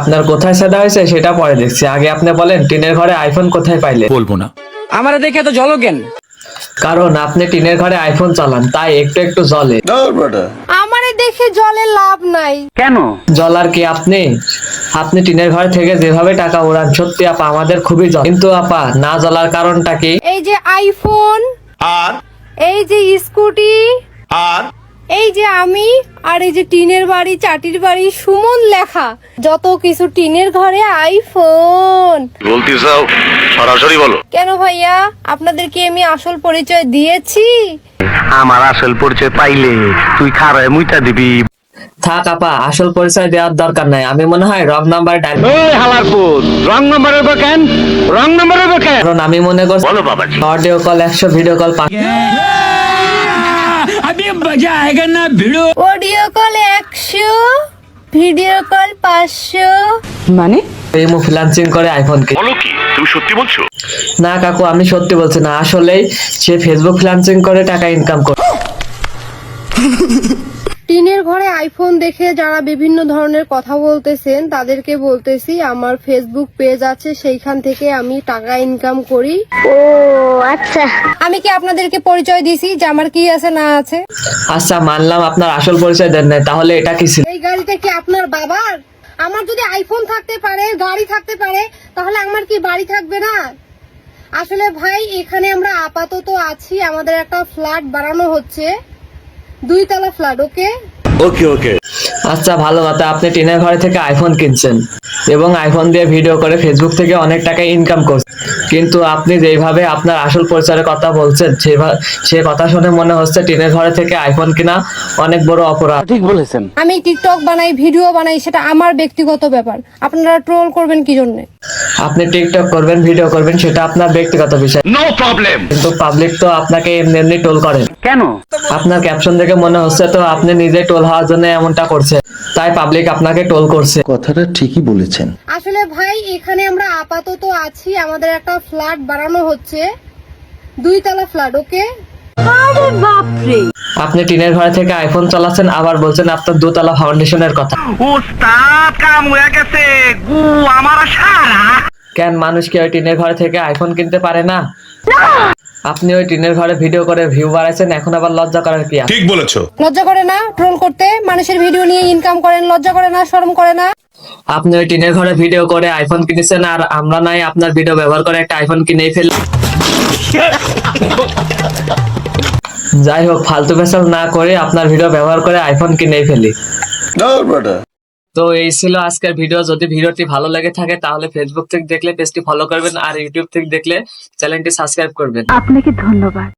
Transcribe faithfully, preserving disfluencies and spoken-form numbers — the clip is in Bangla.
আপনার কোথায় সাদা হয়েছে সেটা পরে দেখছি, আগে আপনি বলেন টিনের ঘরে আইফোন কোথায় পাইলে? বলবো না। আমারে দেখে তো জলো কেন? কারণ আপনি টিনের ঘরে আইফোন চালান, তাই একটু একটু জ্বলে। আমারে দেখে জলে লাভ নাই। কেন? জ্বলার কি আপনি আপনি টিনের ঘর থেকে যেভাবে টাকা উড়ান, সত্যি আপা আমাদের খুবই জ্বলে। কিন্তু আপা না জ্বলার কারণটা কি? এই যে আইফোন, আর এই যে স্কুটি, আর এই যে আমি, আর এই যে টিনের বাড়ি, চাটির বাড়ি, সুমন লেখা, যত কিছু টিনের ঘরে আইফোন। বলতে চাও সরাসরি বলো। কেন ভাইয়া, আপনাদেরকে আমি আসল পরিচয় দিয়েছি? আমার আসল পরিচয় পাইলে তুই খারায় মুইতা দিবি। থাক আপা, আসল পরিচয় দেওয়ার দরকার নাই। আমি মনে হয় রং নাম্বার ডায়াল, ওই হালারপুর রং নাম্বারের কেন রং নাম্বারের কেন কারণ আমি মনে করছি বলো বাবাজি। অডিও কল একশো, ভিডিও কল পাঁচ। অডিও কল একশো, ভিডিও কল পাঁচশো। মানে ইমো ফ্রিল্যান্সিং করে আইফোন কিনে। বলো কি তুমি সত্যি বলছো? না কাকু, আমি সত্যি বলছি না, আসলেই সে ফেসবুক ফ্রিল্যান্সিং করে টাকা ইনকাম করে। টিনের ঘরে আইফোন দেখে যারা বিভিন্ন ধরনের কথা বলতেছেন তাদেরকে বলতেছি, আমার ফেসবুক পেজ আছে, সেইখান থেকে আমি টাকা ইনকাম করি। ও আচ্ছা, আমি কি আপনাদেরকে পরিচয় দিছি যে আমার কি আছে না আছে? আচ্ছা মানলাম আপনার আসল পরিচয় দেন নাই, তাহলে এটা কি ছিল? এই গাড়িটা কি আপনার বাবার? আমার যদি আইফোন থাকতে পারে, গাড়ি থাকতে পারে, তাহলে আমার কি বাড়ি থাকবে না? আসলে ভাই, এখানে আমরা আপাতত আছি, আমাদের একটা ফ্ল্যাট বানানো হচ্ছে, দুই তলা ফ্ল্যাট। ওকে ওকে ওকে আচ্ছা ভালো কথা, আপনি টিনের ঘরে থেকে আইফোন কিনছেন এবং আইফোন দিয়ে ভিডিও করে ফেসবুক থেকে অনেক টাকা ইনকাম করছেন, কিন্তু আপনি যেভাবে আপনার আসল পরিচয়ের কথা বলছেন সেভাবে সে কথা শুনে মনে হচ্ছে টিনের ঘরে থেকে আইফোন কিনা অনেক বড় অপরাধ। ঠিক বলেছেন। আমি টিকটক বানাই, ভিডিও বানাই, সেটা আমার ব্যক্তিগত ব্যাপার। আপনারা ট্রোল করবেন কি জন্য? আপনি টিকটক করবেন, ভিডিও করবেন, সেটা আপনার ব্যক্তিগত বিষয়, নো প্রবলেম। কিন্তু পাবলিক তো আপনাকে এমনি এমনি টোল করেন। কেন? আপনার ক্যাপশন দেখে মনে হচ্ছে তো আপনি নিজে টোল হওয়ার জন্য এমনটা করছে, তাই পাবলিক আপনাকে টোল করছে। কথাটা ঠিকই বলেছেন। আসলে ভাই, এখানে আমরা আপাতত আছি, আমাদের একটা ফ্ল্যাট বানানো হচ্ছে, দুই তলা ফ্ল্যাট। ওকে আপনি টিনের ঘরে থেকে আইফোন চালাচ্ছেন, আবার বলছেন আপনার দোতলা ফাউন্ডেশনের কথা। উস্তাদ কাম হয়ে গেছে গু আমার সারা। কেন মানুষ কি ওই টিনের ঘরে থেকে আইফোন কিনতে পারে না? আপনি ওই টিনের ঘরে ভিডিও করে ভিউ বাড়াইছেন, এখন আবার লজ্জা করার কি আছে? ঠিক বলেছো। লজ্জা করে না ট্রোল করতে? মানুষের ভিডিও নিয়ে ইনকাম করেন, লজ্জা করে না, শরম করে না? আপনি ওই টিনের ঘরে ভিডিও করে আইফোন কিনেছেন, আর আমরা নাই আপনার ভিডিও ব্যবহার করে একটা আইফোন কিনেই ফেল। যাই হোক, ফালতু ফেসাল না করে আপনার ভিডিও ব্যবহার করে আইফোন কিনেই ফেলি। তো এই ছিল আজকের ভিডিও। যদি ভিডিওটি ভালো লেগে থাকে তাহলে ফেসবুক থেকে দেখলে পেজটি ফলো করবেন, আর ইউটিউব থেকে দেখলে চ্যানেলটি সাবস্ক্রাইব করবেন। আপনাকে ধন্যবাদ।